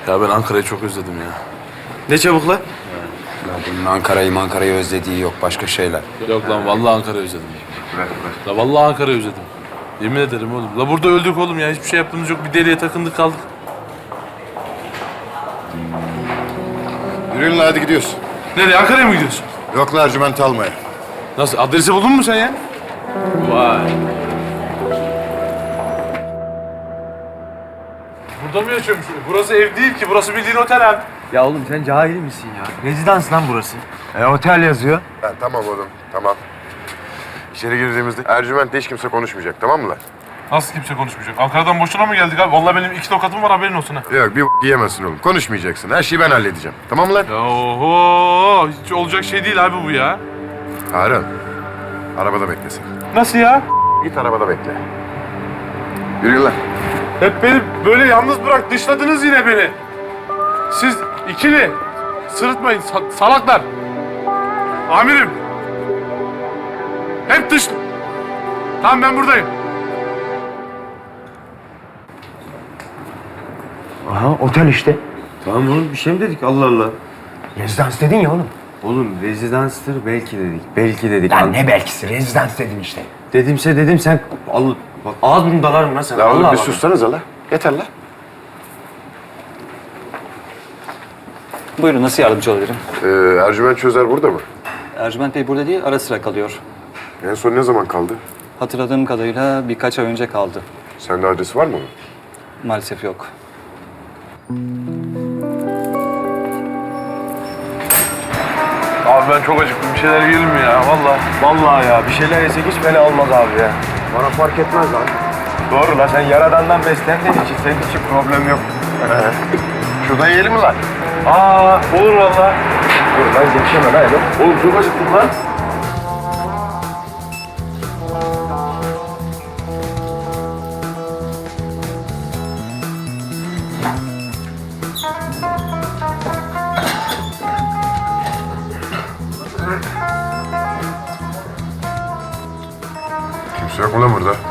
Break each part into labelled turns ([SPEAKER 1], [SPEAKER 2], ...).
[SPEAKER 1] Ya ben Ankara'yı çok özledim ya.
[SPEAKER 2] Ne çabuk lan?
[SPEAKER 3] Ya bunun Ankara'yı özlediği yok, başka şeyler.
[SPEAKER 1] Yok lan vallahi Ankara'yı özledim. La vallahi Ankara'yı özledim. Yemin ederim oğlum. La burada öldük oğlum ya. Hiçbir şey yaptığımız yok. Bir deliye takındık kaldık.
[SPEAKER 4] Yürüyün lan, hadi gidiyoruz.
[SPEAKER 1] Nereye? Ankara'ya mı gidiyorsun?
[SPEAKER 4] Yok lan, Ercüment almaya.
[SPEAKER 1] Nasıl? Adresi buldun mu sen ya? Vay. Burada mı yaşıyormuş? Burası ev değil ki. Burası bildiğin otel abi.
[SPEAKER 2] Ya oğlum sen cahil misin ya? Rezidans lan burası. Otel yazıyor.
[SPEAKER 4] Ha, tamam oğlum, tamam. İçeri girdiğimizde Ercüment'le hiç kimse konuşmayacak, tamam mı lan?
[SPEAKER 1] Nasıl kimse konuşmayacak? Ankara'dan boşuna mı geldik abi? Vallahi benim 2 tokatım var, haberin olsun ha.
[SPEAKER 4] Yok, bir diyemezsin oğlum. Konuşmayacaksın. Her şeyi ben halledeceğim. Tamam mı lan?
[SPEAKER 1] Ya oho! Hiç olacak şey değil abi bu ya.
[SPEAKER 4] Harun, arabada beklesin.
[SPEAKER 1] Nasıl ya?
[SPEAKER 4] Git arabada bekle. Yürüyün lan.
[SPEAKER 1] Hep beni böyle yalnız bırak, dışladınız yine beni. Siz ikili. Sırıtmayın, salaklar. Amirim. Hep dış... Tamam, ben buradayım.
[SPEAKER 2] Aha otel işte.
[SPEAKER 5] Tamam oğlum bir şey mi dedik Allah Allah.
[SPEAKER 2] Rezidans dedin ya oğlum.
[SPEAKER 5] Oğlum rezidanstır belki dedik. Belki dedik.
[SPEAKER 2] Lan ne belkisi rezidans dedin işte.
[SPEAKER 5] Dedimse dedim sen Allah bak ağız burnu dalarım lan sen.
[SPEAKER 4] La oğlum
[SPEAKER 5] Allah
[SPEAKER 4] bir
[SPEAKER 5] Allah.
[SPEAKER 4] sussanıza la. Yeter la.
[SPEAKER 6] Buyurun, nasıl yardımcı olabilirim?
[SPEAKER 4] Ercüment Çözer burada mı?
[SPEAKER 6] Ercüment Bey burada değil, ara sıra kalıyor.
[SPEAKER 4] En son ne zaman kaldı?
[SPEAKER 6] Hatırladığım kadarıyla birkaç ay önce kaldı.
[SPEAKER 4] Sende adresi var mı?
[SPEAKER 6] Maalesef yok.
[SPEAKER 1] Abi ben çok acıktım. Bir şeyler yiyelim mi ya? Vallahi.
[SPEAKER 2] Vallahi ya bir şeyler yesek hiç fena olmaz abi ya.
[SPEAKER 4] Bana fark etmez lan.
[SPEAKER 2] Doğru la sen yaradandan beslendiğin için senin için problem yok.
[SPEAKER 4] Şurada yiyelim mi lan?
[SPEAKER 1] Aa, olur vallahi.
[SPEAKER 2] Dur lan geçeme lan oğlum.
[SPEAKER 1] Oğlum çok acıktım lan.
[SPEAKER 4] Kimse yok mu lan burada?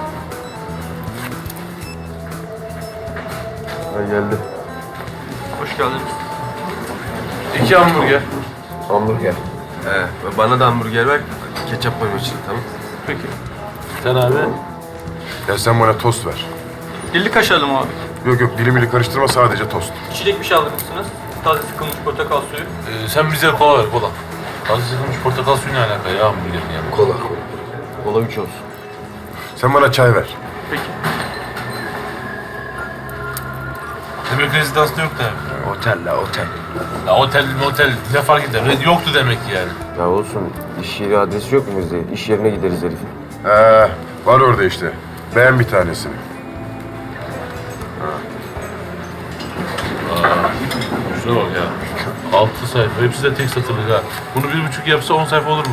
[SPEAKER 5] Ben geldim.
[SPEAKER 6] Hoş geldiniz.
[SPEAKER 1] 2 hamburger.
[SPEAKER 5] Hamburger. Bana da hamburger ver. Ketçap koyma için tamam.
[SPEAKER 1] Peki. Sen abi?
[SPEAKER 4] Ya sen bana tost ver.
[SPEAKER 7] Dilli kaşarlı mı abi?
[SPEAKER 4] Yok yok, dilimili karıştırma, sadece tost.
[SPEAKER 7] İçecek bir şey alır mısınız? Taze sıkılmış portakal suyu.
[SPEAKER 1] Sen bize kola ver, kola. Taze sıkılmış portakal suyu ne alaka ya hamburgerin yanında?
[SPEAKER 4] Kola.
[SPEAKER 5] Kola 3 olsun.
[SPEAKER 4] Sen bana çay ver.
[SPEAKER 7] Peki.
[SPEAKER 1] Demek rezidansta yok da.
[SPEAKER 2] Otel la otel.
[SPEAKER 1] Ya otel motel ne fark eder? Yoktu demek ki yani.
[SPEAKER 5] Ya olsun iş yeri adresi yok mu bizde? İş yerine gideriz herifin.
[SPEAKER 4] Var orada işte. Beğen bir tanesini.
[SPEAKER 1] Şuna bak ya. 6 sayfa. Hepsi de tek satırlık ha. Bunu 1,5 yapsa 10 sayfa olur mu?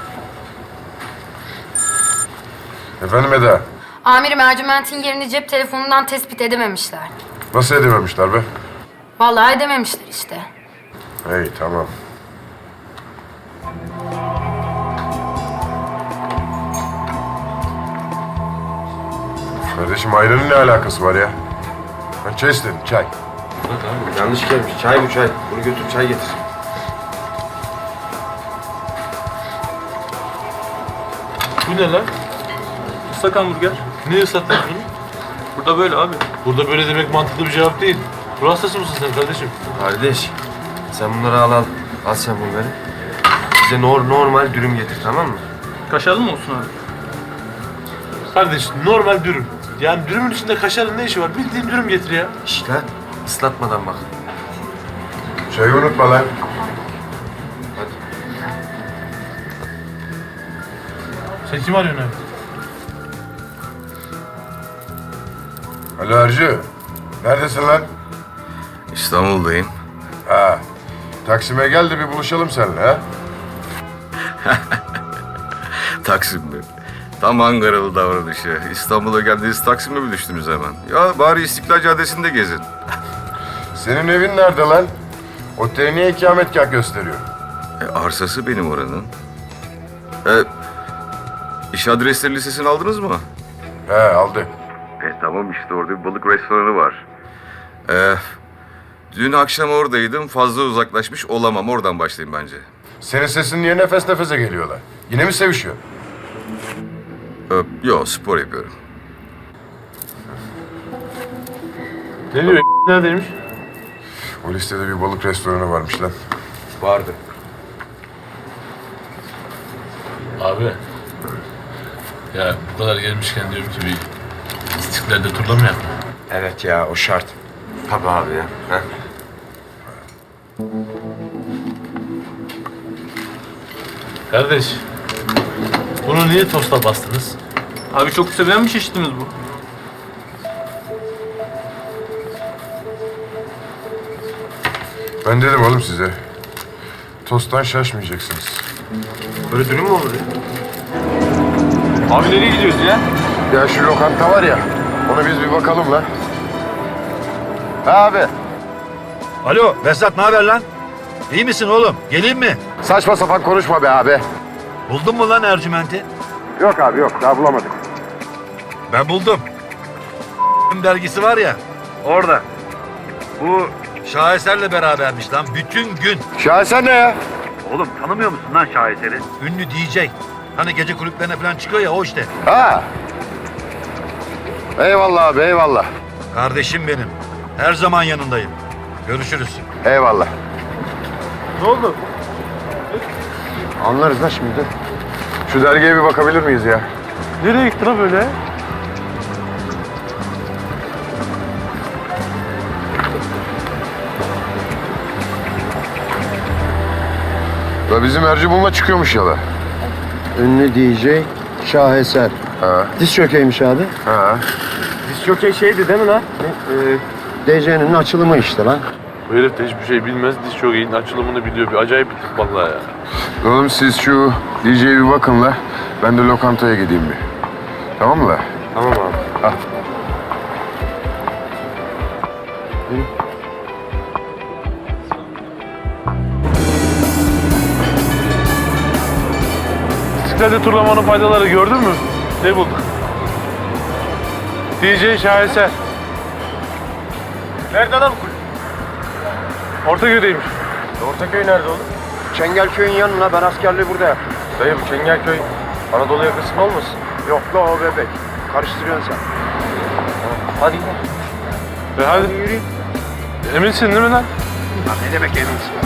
[SPEAKER 4] Efendim Eda?
[SPEAKER 8] Amirim Ercüment'in yerini cep telefonundan tespit edememişler.
[SPEAKER 4] Nasıl edememişler be?
[SPEAKER 8] Vallahi edememişler işte.
[SPEAKER 4] Hey tamam. Kardeşim ayranın ne alakası var ya? Ben çay istedim, çay.
[SPEAKER 5] Yanlış gelmiş. Çay bu çay. Bunu götür çay getir.
[SPEAKER 1] Bu ne lan?
[SPEAKER 7] Islak hamburger.
[SPEAKER 1] Ne ıslattın bunu?
[SPEAKER 7] Burada böyle abi.
[SPEAKER 1] Burada böyle demek mantıklı bir cevap değil. Ruh hastası mısın sen kardeşim?
[SPEAKER 5] Kardeş sen bunları al. Al sen bunları. Bize normal dürüm getir tamam mı?
[SPEAKER 7] Kaşarlı mı olsun abi?
[SPEAKER 1] Kardeş normal dürüm. Yani dürümün içinde kaşarın ne işi var? Bildiğin dürüm getir ya.
[SPEAKER 5] Şişt lan. Islatmadan bak.
[SPEAKER 4] Çayı unutma lan.
[SPEAKER 1] Sen kim arıyorsun abi?
[SPEAKER 4] Alo Ercü. Neredesin lan?
[SPEAKER 9] İstanbul'dayım.
[SPEAKER 4] Ha. Taksim'e gel de bir buluşalım seninle ha.
[SPEAKER 9] Taksim'de. Tam Ankaralı davranışı. İstanbul'a geldiniz Taksim'e mi düştünüz hemen? Ya bari İstiklal Caddesi'nde gezin.
[SPEAKER 4] Senin evin nerede lan? Oteli niye ikametgah gösteriyor?
[SPEAKER 9] Arsası benim oranın. İş adresleri listesini aldınız mı?
[SPEAKER 4] He aldık.
[SPEAKER 9] Tamam işte orada bir balık restoranı var. Dün akşam oradaydım. Fazla uzaklaşmış olamam. Oradan başlayayım bence.
[SPEAKER 4] Senin sesin niye nefes nefese geliyorlar? Yine mi sevişiyor?
[SPEAKER 9] Yo, spor yapıyorum.
[SPEAKER 1] Ne diyor? Neredeymiş?
[SPEAKER 4] O listede bir balık restoranı varmış lan.
[SPEAKER 9] Vardı.
[SPEAKER 1] Abi. Ya bu kadar gelmişken diyorum ki bir İstiklal'de turlamayalım mı?
[SPEAKER 3] Evet ya, o şart.
[SPEAKER 5] Tabii abi ya. Heh.
[SPEAKER 1] Kardeş. Bunu niye tosta bastınız?
[SPEAKER 7] Abi çok sevilen bir çeşitimiz bu.
[SPEAKER 4] Ben dedim oğlum size. Tosttan şaşmayacaksınız.
[SPEAKER 5] Böyle dürüm mü olur ya? Abi nereye gidiyoruz ya?
[SPEAKER 4] Ya şu lokanta var ya, ona biz bir bakalım lan. Ha abi,
[SPEAKER 2] Alo Behzat, ne haber lan? İyi misin oğlum? Geleyim mi?
[SPEAKER 4] saçma sapan konuşma be abi.
[SPEAKER 2] Buldun mu lan Ercüment'i?
[SPEAKER 4] Yok abi yok, daha bulamadık.
[SPEAKER 2] Ben buldum. Dergisi var ya, orada. Bu Şaheser'le berabermiş lan bütün gün.
[SPEAKER 4] Şaheser ne ya?
[SPEAKER 2] Oğlum tanımıyor musun lan Şaheser'i? Ünlü DJ. Hani gece kulüplerine falan çıkıyor ya, o işte.
[SPEAKER 4] Ha. Eyvallah abi, eyvallah.
[SPEAKER 2] Kardeşim benim. Her zaman yanındayım. Görüşürüz.
[SPEAKER 4] Eyvallah.
[SPEAKER 1] Ne oldu?
[SPEAKER 4] Anlarız lan şimdi. Şu dergiye bir bakabilir miyiz ya?
[SPEAKER 1] Nereye gittin ha böyle?
[SPEAKER 4] Ya bizim Ercübun'la çıkıyormuş ya da.
[SPEAKER 10] Ünlü DJ Şaheser.
[SPEAKER 4] Ha.
[SPEAKER 10] Diz çökeymiş abi.
[SPEAKER 4] Ha.
[SPEAKER 5] Diz çok şeydi değil mi lan?
[SPEAKER 10] DJ'nin açılımı işte lan.
[SPEAKER 1] Bu herif de hiçbir şey bilmez. Diz çok iyi. Açılımını biliyor. Bir acayip bir tip vallahi ya.
[SPEAKER 4] Oğlum siz şu DJ'ye bir bakın la. Ben de lokantaya gideyim bir. Tamam mı la?
[SPEAKER 5] Tamam abi.
[SPEAKER 4] Al.
[SPEAKER 1] İstiklal'de turlamanın faydaları gördün mü? Ne bulduk? DJ Şaheser.
[SPEAKER 5] Nerede lan bu kulüp?
[SPEAKER 1] Ortaköy'deymiş.
[SPEAKER 5] Ortaköy nerede oğlum?
[SPEAKER 10] Çengelköy'ün yanına, ben askerliği burada yaptım.
[SPEAKER 5] Dayı bu Çengelköy Anadolu yakasında olmasın?
[SPEAKER 10] Yok la o bebek. Karıştırıyorsun sen.
[SPEAKER 5] Hadi gidelim.
[SPEAKER 1] Hadi. Eminsin değil mi lan?
[SPEAKER 10] Ya ne demek eminsin?